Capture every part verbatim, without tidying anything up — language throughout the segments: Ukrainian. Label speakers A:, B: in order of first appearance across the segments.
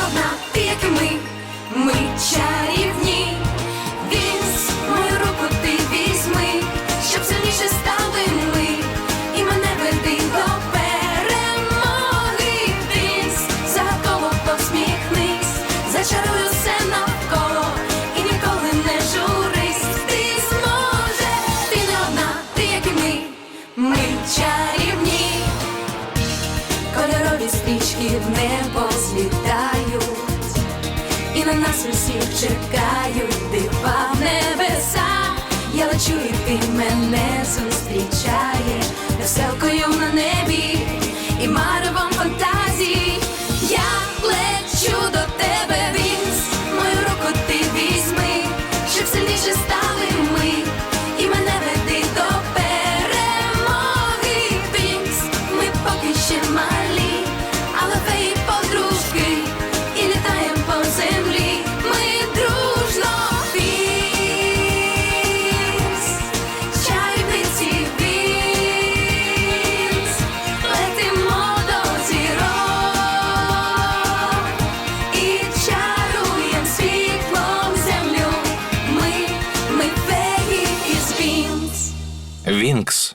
A: одна, ти як і ми, ми чарівні. Вінкс, мою руку ти візьми, щоб сильніше стали ми, і мене веди до перемоги. Вінкс, загадково посміхнись, зачаруй усе навколо і ніколи не журись. Ти зможеш, ти не одна, ти як і ми, ми чарівні. Кольорові стрічки в небо злітають, і на нас усіх чекають дива в небесах. Я лечу, і ти мене зустрічаєш веселкою на небі і маревом фантазій. Я лечу до тебе, Вінкс, мою руку ти візьми, щоб сильніше стали ми, і мене веди до перемоги. Вінкс, ми поки ще малі, але феї подружки, і літаєм по землі ми дружно. Вінкс, чарівниці Вінкс, летимо до зірок і чаруєм світлом землю. Ми, ми феї із Вінкс.
B: Вінкс.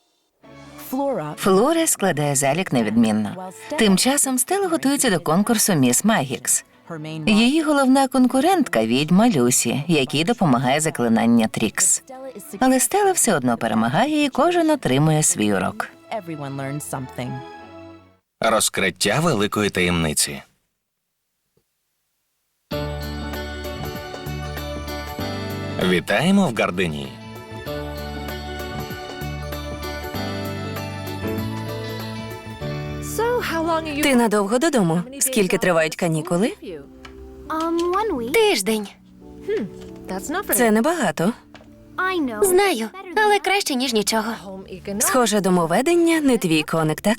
C: Флора складає залік невідмінно. Тим часом Стелла готується до конкурсу «Міс Магікс». Її головна конкурентка – відьма Люсі, якій допомагає заклинання Трікс. Але Стелла все одно перемагає, і кожен отримує свій урок.
B: Розкриття великої таємниці. Вітаємо в Гарденії.
D: Ти надовго додому? Скільки тривають канікули?
E: Тиждень.
D: Це небагато.
E: Знаю, але краще, ніж нічого.
D: Схоже, домоведення не твій коник, так?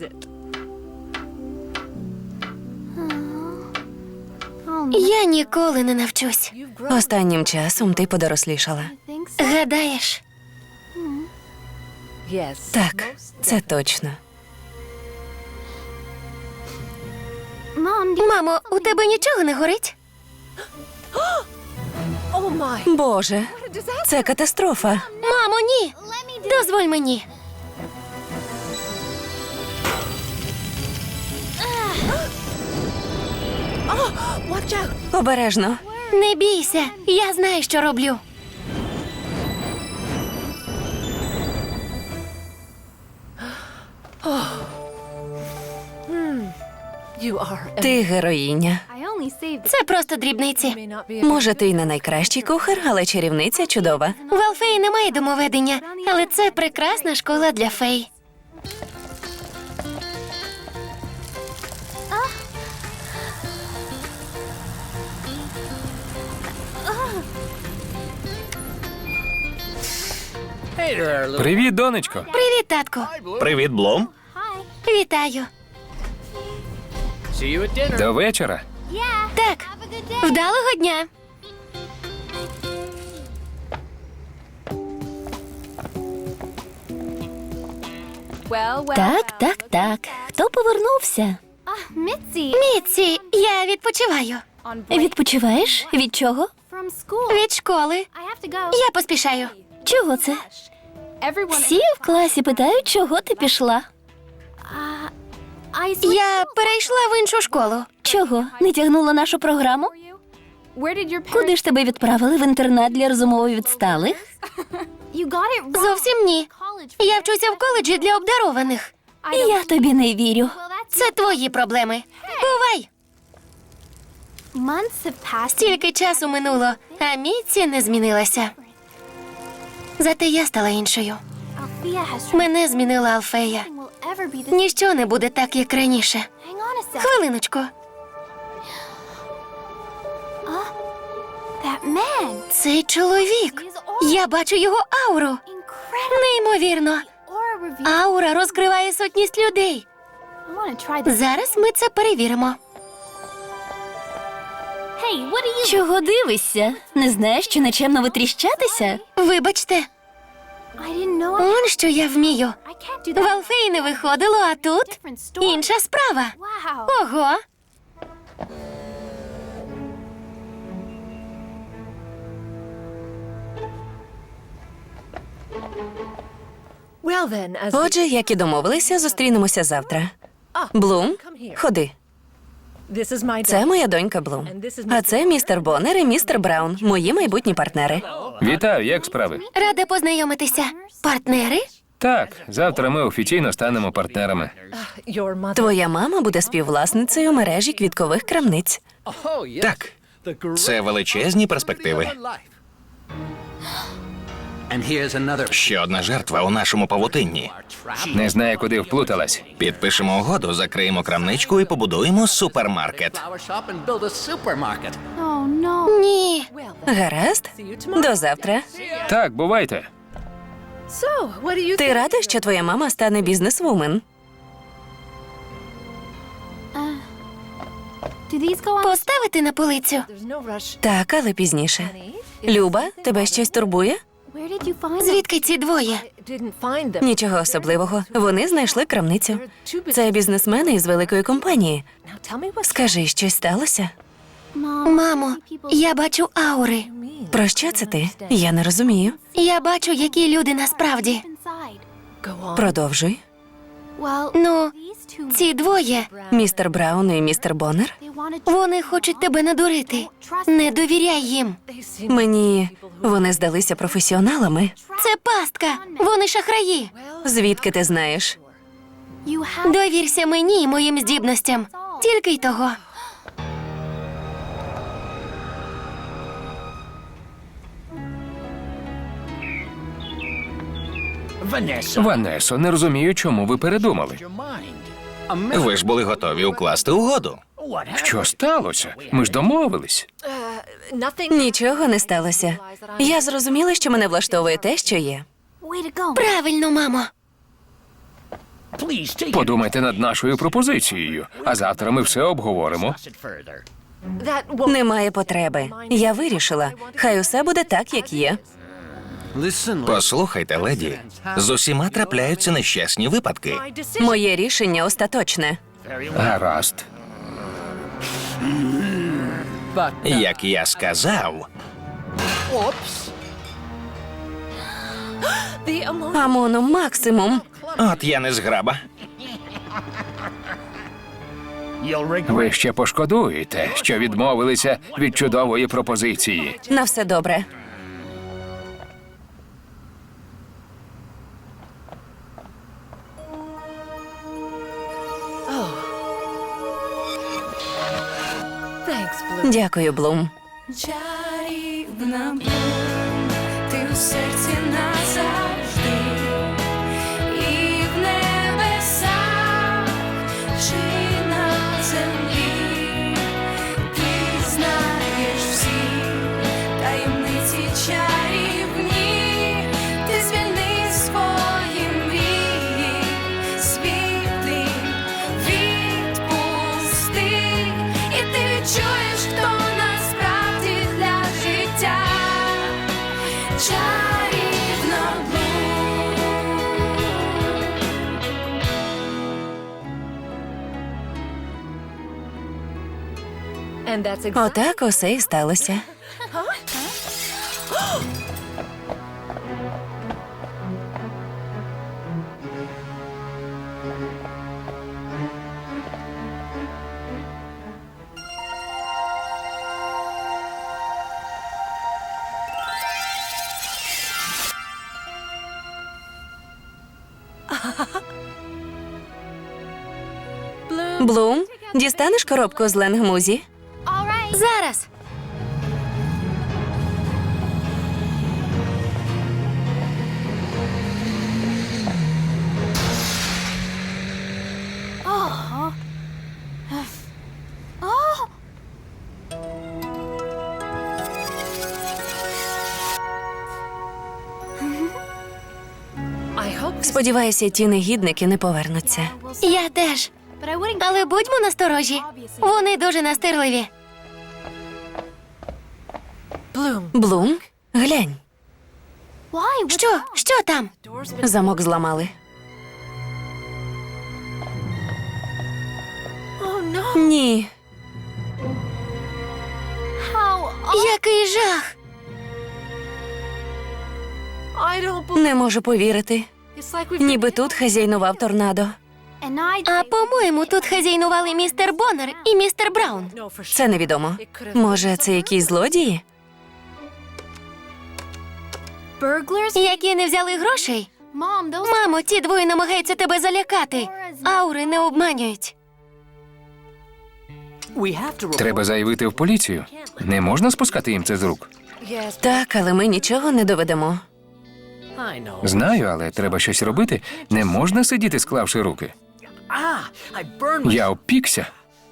E: Я ніколи не навчусь.
D: Останнім часом ти подорослішала.
E: Гадаєш?
D: Так, це точно.
E: Мамо, у тебе нічого не горить?
D: Боже, це катастрофа.
E: Мамо, ні! Дозволь мені.
D: Обережно.
E: Не бійся, я знаю, що роблю.
D: Ти героїня.
E: Це просто дрібниці.
D: Може, ти й не найкращий кухар, але чарівниця чудова.
E: В Алфеї немає домоведення, але це прекрасна школа для фей.
B: Привіт, донечко.
E: Привіт, татку.
B: Привіт, Блум.
E: Вітаю.
B: До вечора.
E: Так, вдалого дня.
F: Так, так, так. Хто повернувся?
E: Мітці, я відпочиваю.
F: Відпочиваєш? Від чого?
E: Від школи. Я поспішаю.
F: Чого це? Всі в класі питають, чого ти пішла.
E: Я перейшла в іншу школу.
F: Чого? Не тягнула нашу програму? Куди ж тебе відправили? В інтернат для розумово відсталих?
E: Зовсім ні. Я вчуся в коледжі для обдарованих.
F: Я тобі не вірю.
E: Це твої проблеми. Бувай! Стільки часу минуло, а Мітці не змінилася. Зате я стала іншою. Мене змінила Алфея. Ніщо не буде так, як раніше. Хвилиночку. Цей чоловік. Я бачу його ауру. Неймовірно. Аура розкриває сотність людей. Зараз ми це перевіримо.
F: Чого дивишся? Не знаєш, що нечемно витріщатися?
E: Вибачте. Он що я вмію. В Алфеї не виходило, а тут інша справа. Ого.
D: Отже, як і домовилися, зустрінемося завтра. Блум, ходи. Це моя донька Блум. А це містер Боннер і містер Браун, мої майбутні партнери.
B: Вітаю, як справи?
E: Рада познайомитися. Партнери?
B: Так, завтра ми офіційно станемо партнерами.
D: Твоя мама буде співвласницею мережі квіткових крамниць.
B: Так, це величезні перспективи. Ще одна жертва у нашому павутинні. Не знаю, куди вплуталась. Підпишемо угоду, закриємо крамничку і побудуємо супермаркет.
E: Ні.
D: Гаразд? До завтра.
B: Так, бувайте.
D: Ти рада, що твоя мама стане бізнесвумен?
E: Поставити на полицю.
D: Так, але пізніше. Люба, тебе щось турбує?
E: Звідки ці двоє?
D: Нічого особливого. Вони знайшли крамницю. Це бізнесмени із великої компанії. Скажи, щось сталося?
E: Мамо, я бачу аури.
D: Про що це ти? Я не розумію.
E: Я бачу, які люди насправді.
D: Продовжуй.
E: Ну, ці двоє,
D: Містер Браун і містер Боннер?
E: вони хочуть тебе надурити. Не довіряй їм.
D: Мені вони здалися професіоналами.
E: Це пастка. Вони шахраї.
D: Звідки ти знаєш?
E: Довірся мені і моїм здібностям. Тільки й того.
B: Ванесо, не розумію, чому ви передумали. Ви ж були готові укласти угоду. Що сталося? Ми ж домовились.
D: Нічого не сталося. Я зрозуміла, що мене влаштовує те, що є.
E: Правильно, мамо.
B: Подумайте над нашою пропозицією, а завтра ми все обговоримо.
D: Немає потреби. Я вирішила. Хай усе буде так, як є.
B: Послухайте, леді, з усіма трапляються нещасні випадки.
D: Моє рішення остаточне.
B: Гаразд. Як я сказав,
D: Амоном максимум.
B: от я не зграба. Ви ще пошкодуєте, що відмовилися від чудової пропозиції.
D: На все добре. Дякую, Блум.
A: Чарівна Блум, ти у серці назавжди, і в небесах, чи на землі, ти знаєш всі таємниці чарівні, ти звільни свої мрії, світлі відпусти, і ти відчуєш, хто насправді для життя чарівна Блум.
D: Отак усе і сталося. Блум, дістанеш коробку з ленгмузі?
E: Зараз.
D: Сподіваюся, ті негідники не повернуться.
E: Я теж. Але будьмо насторожі. Вони дуже настирливі.
D: Блум, глянь,
E: Що? Що там?
D: замок зламали. Ні,
E: Який жах!
D: Не можу повірити. Ніби тут хазяйнував торнадо.
E: А по-моєму, тут хазяйнували містер Боннер і містер Браун.
D: Це невідомо. Може, це якісь злодії?
E: Які не взяли грошей? Мамо, ті двоє намагаються тебе залякати. Аури не обманюють.
B: Треба заявити в поліцію. Не можна спускати їм це з рук.
D: Так, але ми нічого не доведемо.
B: Знаю, але треба щось робити. Не можна сидіти, склавши руки. Я опікся.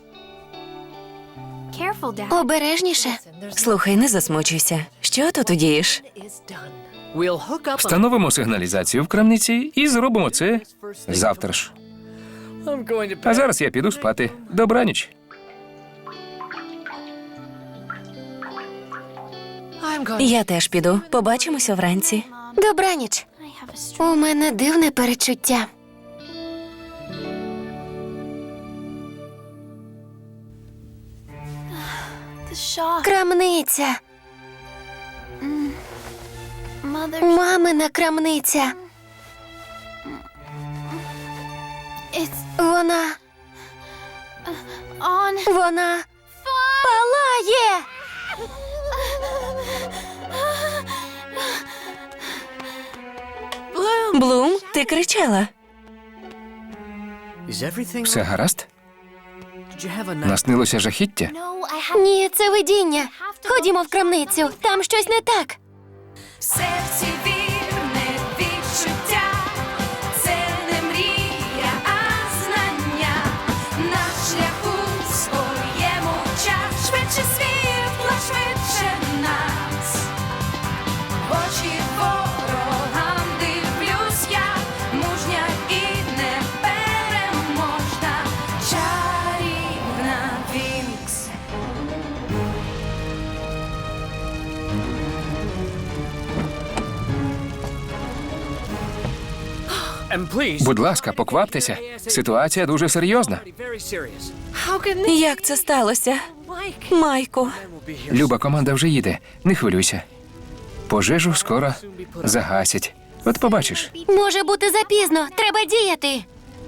E: Обережніше.
D: Слухай, не засмучуйся. Що тут удієш?
B: Встановимо сигналізацію в крамниці і зробимо це завтра ж. А зараз я піду спати. Добраніч.
D: Я теж піду. Побачимося вранці.
E: Добраніч. У мене дивне перечуття. Крамниця. Мамина крамниця. Вона... Вона... палає!
D: Блум, ти кричала.
B: Все гаразд? Наснилося жахіття?
E: Ні, це видіння. Ходімо в крамницю, там щось не так.
A: Серці вірне відчуття, це не мрія, а знання. На шляху своєму час, швидше світла, швидше нас. В очі ворогам дивлюсь я, мужня і непереможна, чарівна Вінкс.
B: Будь ласка, покваптеся. Ситуація дуже серйозна.
D: Як це сталося? Майку.
B: Люба команда вже їде. Не хвилюйся. Пожежу скоро загасять. От побачиш.
E: Може бути запізно, треба діяти.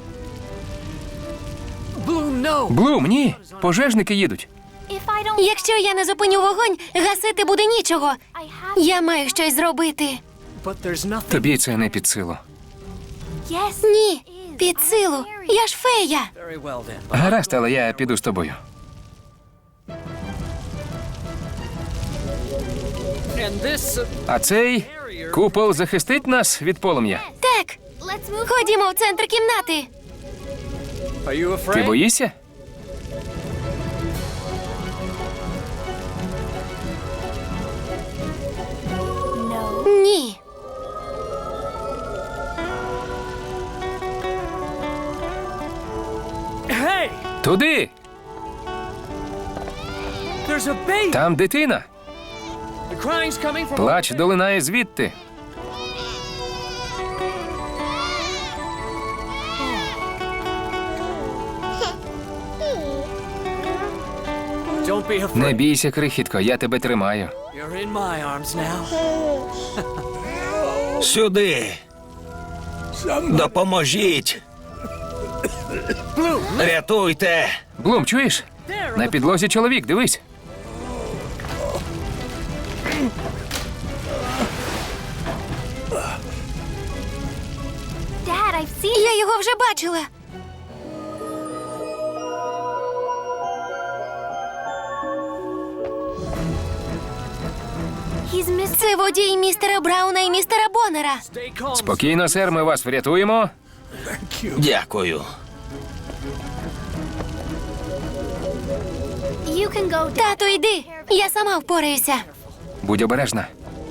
B: Блум, ні. Пожежники їдуть.
E: Якщо я не зупиню вогонь, гасити буде нічого. Я маю щось зробити.
B: Тобі це не під силу.
E: Ні, під силу. Я ж фея.
B: Гаразд, але я піду з тобою. А цей купол захистить нас від полум'я.
E: Так, ходімо в центр кімнати.
B: Ти боїшся?
E: Ні.
B: Туди! Там дитина. Плач долинає звідти. Не бійся, крихітко, я тебе тримаю.
G: Сюди. Допоможіть. Рятуйте.
B: Блум, чуєш? На підлозі чоловік, дивись.
E: Я його вже бачила. Це водій містера Брауна і містера Боннера.
B: Спокійно, сер, ми вас врятуємо.
G: Дякую.
E: Тату, йди. Я сама впораюся.
B: Будь обережна.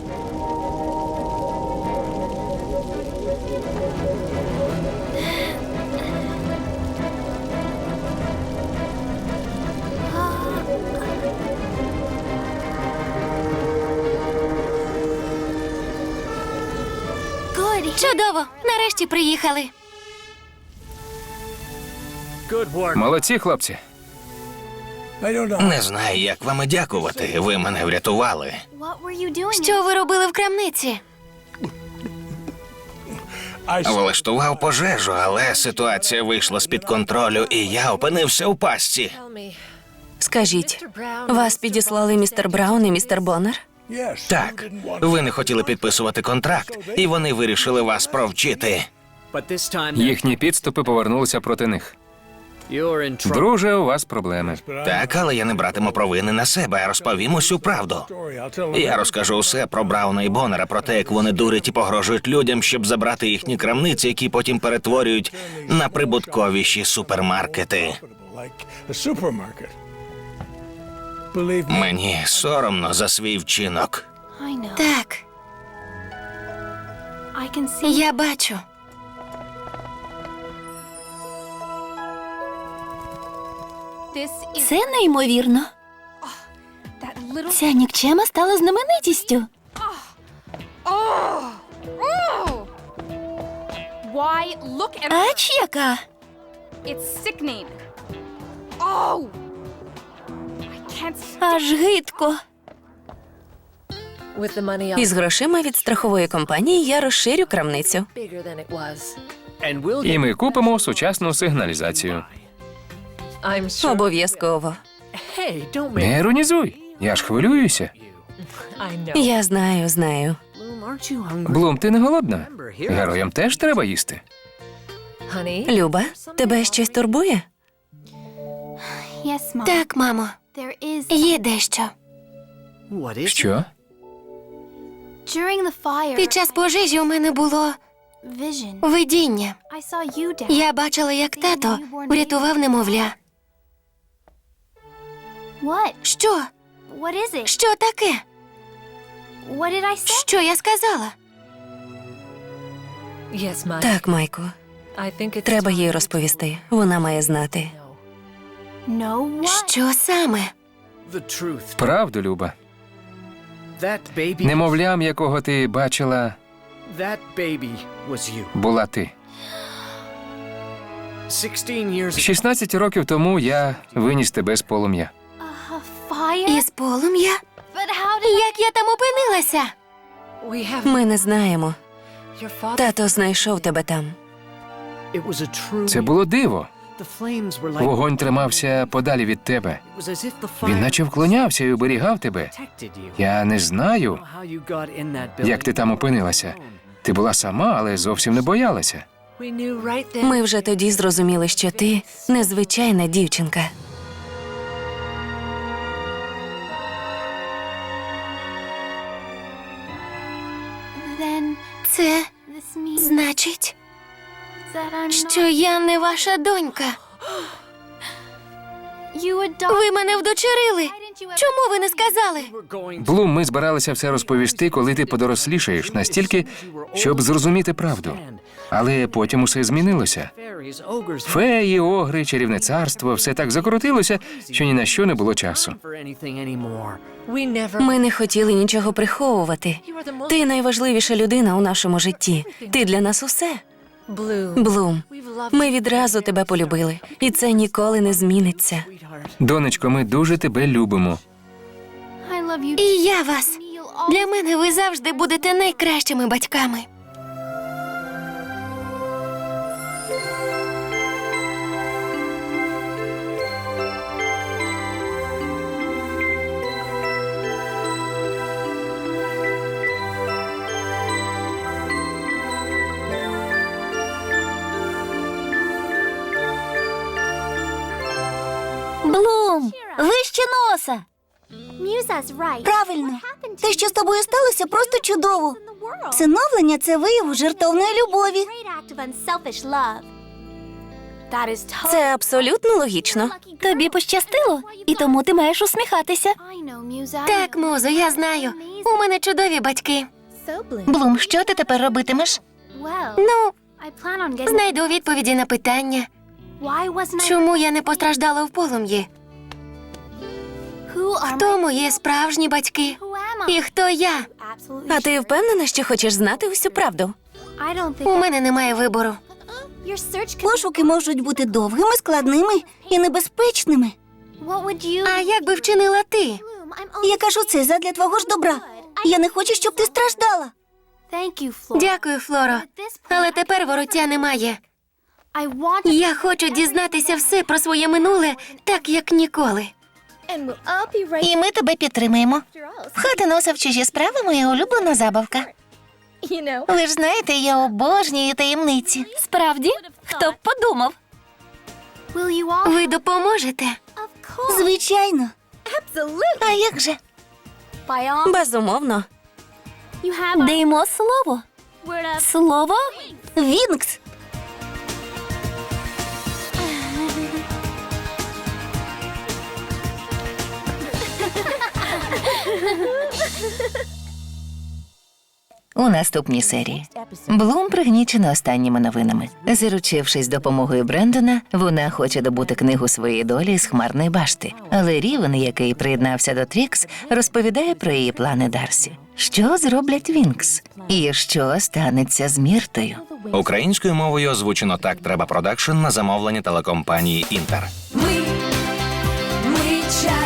E: Чудово. Нарешті приїхали.
B: Молодці, хлопці.
G: Не знаю, як вам і дякувати. Ви мене врятували.
E: Що ви робили в крамниці?
G: Влаштував пожежу, але ситуація вийшла з-під контролю, і я опинився у пастці.
D: Скажіть, вас підіслали містер Браун і містер Боннер?
G: Так, ви не хотіли підписувати контракт, і вони вирішили вас провчити.
B: Їхні підступи повернулися проти них. Друже, у вас проблеми.
G: Так, але я не братиму провини на себе, а розповім усю правду. Я розкажу усе про Брауна і Боннера, про те, як вони дурять і погрожують людям, щоб забрати їхні крамниці, які потім перетворюють на прибутковіші супермаркети. Мені соромно за свій вчинок.
E: Так, я бачу.
F: Це неймовірно. Ця нікчема стала знаменитістю.
H: Why, look at
F: Ач яка?
H: it's sickening. Oh! I can't stand
F: Аж гидко.
D: Із грошима від страхової компанії я розширю крамницю.
B: І ми купимо сучасну сигналізацію.
D: Обов'язково.
B: Не іронізуй, я ж хвилююся.
D: Я знаю, знаю.
B: Блум, ти не голодна? Героям теж треба їсти.
D: Люба, тебе щось турбує?
E: Так, мамо, є дещо.
B: Що?
E: Під час пожежі у мене було видіння. Я бачила, як тато врятував немовля. Що? Що таке? Що я сказала?
D: Так, Майку. Треба їй розповісти. Вона має знати.
E: Що саме?
B: Правду, Люба. Немовлям, якого ти бачила, була ти. шістнадцять років тому я виніс тебе з полум'я.
E: Із полум'я? Як я там опинилася?
D: Ми не знаємо. Тато знайшов тебе там.
B: Це було диво. Вогонь тримався подалі від тебе. Він наче вклонявся і оберігав тебе. Я не знаю, як ти там опинилася. Ти була сама, але зовсім не боялася.
D: Ми вже тоді зрозуміли, що ти незвичайна дівчинка.
E: Це значить, що я не ваша донька. Ви мене вдочерили. Чому ви не сказали?
B: Блум, ми збиралися все розповісти, коли ти подорослішаєш, настільки, щоб зрозуміти правду. Але потім усе змінилося. Феї, огри, чарівне царство – все так закрутилося, що ні на що не було часу.
D: Ми не хотіли нічого приховувати. Ти найважливіша людина у нашому житті. Ти для нас усе. Блум, ми відразу тебе полюбили, і це ніколи не зміниться.
B: Донечко, ми дуже тебе любимо.
E: І я вас. Для мене ви завжди будете найкращими батьками.
F: Блум, вище носа.
I: Правильно. Те, що з тобою сталося, просто чудово. Всиновлення – це вияв жертовної любові.
D: Це абсолютно логічно.
F: Тобі пощастило, і тому ти маєш усміхатися.
E: Так, Музо, я знаю. У мене чудові батьки.
C: Блум, що ти тепер робитимеш?
E: Ну, знайду відповіді на питання. Чому я не постраждала в полум'ї? Хто мої справжні батьки? І хто я?
D: А ти впевнена, що хочеш знати усю правду?
E: У мене немає вибору.
I: Пошуки можуть бути довгими, складними і небезпечними.
E: А як би вчинила ти?
I: Я кажу це задля твого ж добра. Я не хочу, щоб ти страждала.
E: Дякую, Флоро. Але тепер вороття немає. Я хочу дізнатися все про своє минуле, так як ніколи.
I: І ми тебе підтримуємо. Хати носа в чужі справи моя улюблена забавка. Ви ж знаєте, я обожнюю таємниці.
F: Справді? Хто б подумав?
E: Ви допоможете?
I: Звичайно. А як же?
D: Безумовно.
F: Даємо слово. Слово?
I: Вінкс.
C: У наступній серії Блум пригнічена останніми новинами. Заручившись допомогою Брендона, вона хоче добути книгу своєї долі з хмарної башти. Але Рівен, який приєднався до Трікс, розповідає про її плани Дарсі. Що зроблять Вінкс? І що станеться з Міртою?
G: Українською мовою озвучено «Так треба продакшн» на замовлення телекомпанії «Інтер».
A: Ми, ми час.